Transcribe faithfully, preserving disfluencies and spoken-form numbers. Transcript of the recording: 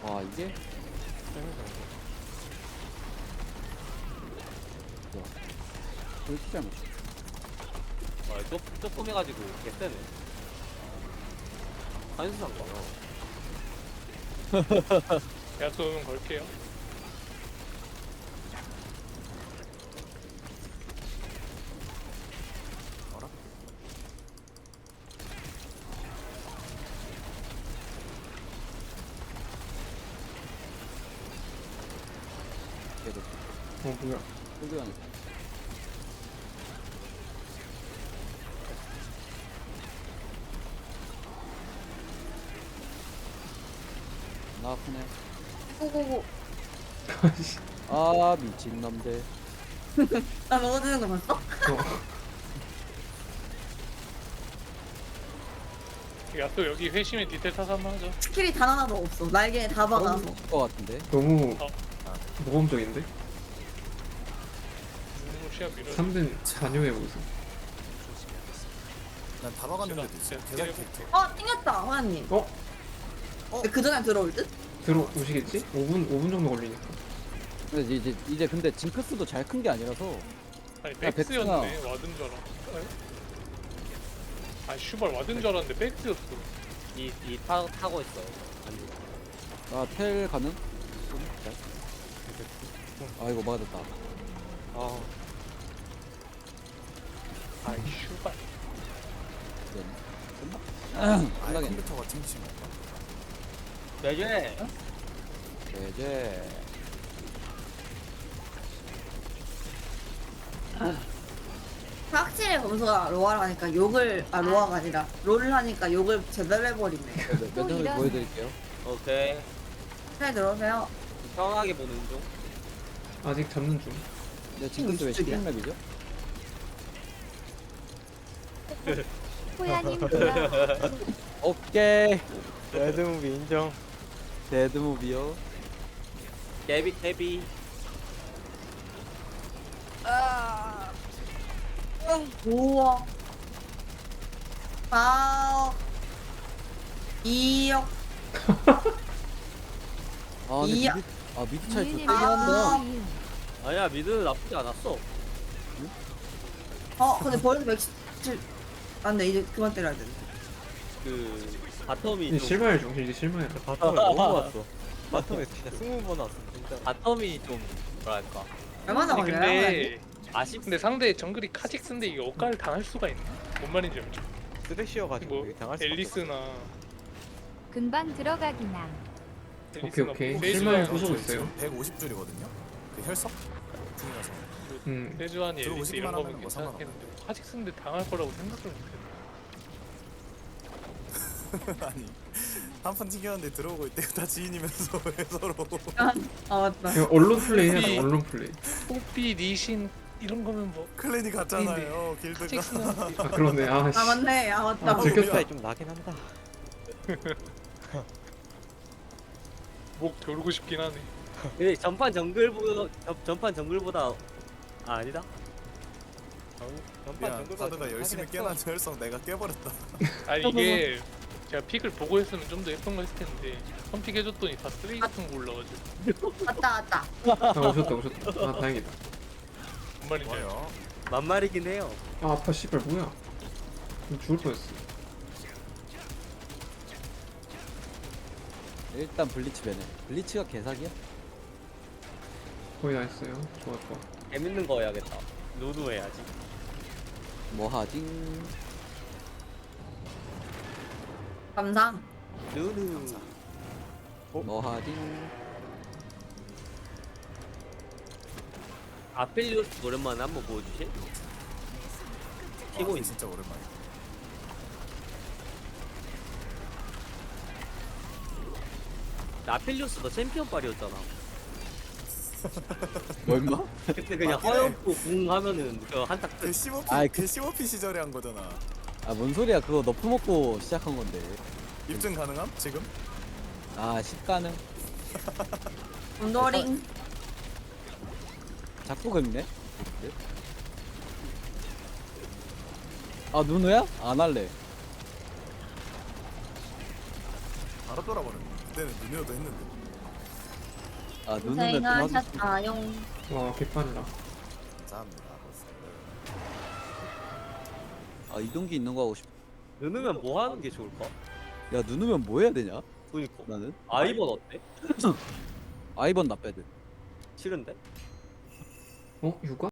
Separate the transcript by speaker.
Speaker 1: 와 이게 좋아. 왜 이렇게 잘 맞춰?
Speaker 2: 와, 쪼, 쪼꼬매가지고 개쎄네. 한수상 거야.
Speaker 3: 야수 오면 걸게요.
Speaker 4: 알아?
Speaker 1: 걔도
Speaker 5: 어 뭐야?
Speaker 1: 소교환. 나 아프네.
Speaker 6: 오고고.
Speaker 1: 아 미친 놈들.
Speaker 6: 나 먹어주는 거 봤어?
Speaker 3: 야수 여기 회심의 디테일 타서 한번 하죠.
Speaker 6: 스킬이 단 하나도 없어. 날개에 다 박아서.
Speaker 1: 것 같은데.
Speaker 5: 너무
Speaker 3: 어.
Speaker 5: 모범적인데?
Speaker 3: 음, 시합 밀어.
Speaker 5: 삼 등 잔여해 보이소.
Speaker 4: 난 다 박았는데도 있어.
Speaker 3: 제가
Speaker 4: 계산
Speaker 3: 때려볼게.
Speaker 4: 캐릭터.
Speaker 6: 어, 튕겼다, 호야님.
Speaker 5: 어?
Speaker 6: 그 전에 들어올 듯?
Speaker 5: 들어오시겠지? 오 분 오 분 정도 걸리니까.
Speaker 1: 근데 이제 이제 근데 징크스도 잘 큰 게 아니라서.
Speaker 3: 아니
Speaker 1: 야,
Speaker 3: 백스였네. 와든 줄 알아. 아 슈발 와든 줄 알았는데 백스였어.
Speaker 2: 이, 이 타, 타고 있어. 아니,
Speaker 1: 나텔 가능? 잘. 아 이거 막아졌다.
Speaker 2: 아,
Speaker 3: 아이 슈발.
Speaker 1: 끝나?
Speaker 4: 아예
Speaker 1: 끝나겠네.
Speaker 4: 컴퓨터가 튕기신 건가?
Speaker 2: 매제.
Speaker 1: 이제
Speaker 6: 확실히 검수가 로아를 하니까 욕을, 아, 로아가 아니라, 롤을 하니까 욕을 제대로 해버리네.
Speaker 1: 몇점을 보여드릴게요.
Speaker 2: 오케이.
Speaker 6: 잘 들어오세요.
Speaker 2: 편하게 보는 중.
Speaker 5: 아직 잡는 중.
Speaker 1: 근데 징크스 왜
Speaker 6: 이쪽이야.
Speaker 1: 십육 맵이죠?
Speaker 7: 호야님 돌아
Speaker 1: 오케이.
Speaker 2: 레드무비 인정.
Speaker 1: 데드무비요.
Speaker 2: 데비, 데비.
Speaker 6: 오억. 사억. 이억.
Speaker 1: 아 근데
Speaker 6: 이야.
Speaker 1: 미드, 아 미드 차이
Speaker 7: 니은이
Speaker 1: 좋대긴 한다.
Speaker 7: 이응.
Speaker 2: 아니야, 미드는 나쁘지 않았어.
Speaker 6: 어, 근데 벌써 백십칠. 안 돼, 이제 그만 때려야 돼.
Speaker 2: 그, 바텀이
Speaker 5: 이제
Speaker 2: 좀.
Speaker 5: 실마일 중 이제 실마일.
Speaker 2: 바텀을 너무 왔어. 바텀에 진짜 스무 번 왔어. 진짜. 바텀이 좀, 뭐랄까.
Speaker 6: 얼마나
Speaker 3: 아니
Speaker 6: 걸려요?
Speaker 3: 근데
Speaker 2: 아쉽,
Speaker 3: 근데 상대 정글이 카직스인데 이게 억가를 당할 수가 있나? 뭔 말인지 알죠?
Speaker 2: 쓰레쉬여가지고
Speaker 3: 뭐 앨리스나
Speaker 7: 금방 들어가기나.
Speaker 5: 오케이 오케이.
Speaker 3: 뭐
Speaker 5: 실마일
Speaker 3: 세주안,
Speaker 5: 부수고 있어요.
Speaker 4: 백오십 줄이거든요. 그 혈석? 중이라서.
Speaker 5: 음.
Speaker 3: 세주안이 앨리스
Speaker 4: 들어오시기만
Speaker 3: 이런 거면
Speaker 4: 하면 뭐
Speaker 3: 괜찮겠는데 카직스인데 당할 거라고 생각을 못해.
Speaker 4: 아니 한 판 튕겼는데 들어오고 있대. 다 지인이면서 왜 서로.
Speaker 6: 아, 아, 맞다.
Speaker 5: 그냥 언론 플레이 해야 돼.
Speaker 3: 이-
Speaker 5: 언론 플레이.
Speaker 3: 뽀삐, 니신 이런 거면 뭐
Speaker 4: 클랜이 같잖아요. 길드가.
Speaker 3: 카직스는
Speaker 5: 아 그러네. 아 씨.
Speaker 6: 아, 맞네. 아, 맞다.
Speaker 5: 아, 들켰다.
Speaker 2: 좀 나긴 한다.
Speaker 3: 목 조르고 싶긴 하네.
Speaker 2: 근데 전판 정글보다, 전- 전판 정글보다, 아, 아니다. 전, 전판
Speaker 4: 야,
Speaker 2: 정글보다
Speaker 4: 다드가
Speaker 3: 아,
Speaker 2: 좀
Speaker 4: 열심히
Speaker 2: 하긴 했어.
Speaker 4: 깨난 혈석 내가 깨버렸다.
Speaker 3: 아니 이게 제가 픽을 보고 했으면 좀 더 예쁜 거 했을 텐데 선픽 해줬더니 다 쓰레기 같은 거 올라가지고
Speaker 6: 왔다, 왔다.
Speaker 5: 아 오셨다 오셨다. 아 다행이다.
Speaker 3: 뭔 말인지 알죠?
Speaker 4: 좋아요.
Speaker 2: 만말이긴 해요.
Speaker 5: 아 아파 씨발 뭐야. 죽을 뻔했어.
Speaker 1: 일단 블리치 배네. 블리치가 개사기야?
Speaker 5: 거의 다 했어요. 좋아 좋아.
Speaker 2: 재밌는 거 해야겠다. 노드 해야지.
Speaker 1: 뭐 하징?
Speaker 6: 감사.
Speaker 2: 누누.
Speaker 1: 뭐 하징?
Speaker 2: 아펠리오스 오랜만에 한번 보여주실? 피고
Speaker 4: 아,
Speaker 2: 있
Speaker 4: 진짜 오랜만에.
Speaker 2: 아펠리오스 너 챔피언 빨이었잖아.
Speaker 1: 뭐 임마?
Speaker 2: 그때 그냥
Speaker 4: 맞긴 해.
Speaker 2: 허옇고 궁 하면은 그 한타 끝.
Speaker 4: 개시버피
Speaker 1: 아이, 그-
Speaker 4: 개시버피 시절에 한 거잖아.
Speaker 1: 아 뭔 소리야? 그거 너프 먹고 시작한 건데.
Speaker 4: 입증 가능함? 지금?
Speaker 1: 아 십가능?
Speaker 6: 온도링.
Speaker 1: 자꾸 긁네? 아 누누야? 안 할래.
Speaker 4: 바로 돌아버렸네. 그때는 눈이어도 했는데.
Speaker 1: 아 누누면 좀 하기
Speaker 6: 고생하셨어요.
Speaker 5: 와 개판이다.
Speaker 4: 감사합니다.
Speaker 1: 아 이동기 있는 거 하고 싶어.
Speaker 2: 누누면 뭐 하는 게 좋을까?
Speaker 1: 야 누누면 뭐 해야 되냐?
Speaker 2: 그니까
Speaker 1: 나는
Speaker 2: 아이번 어때?
Speaker 1: 아이번 나빼드.
Speaker 2: 싫은데?
Speaker 5: 어 육아?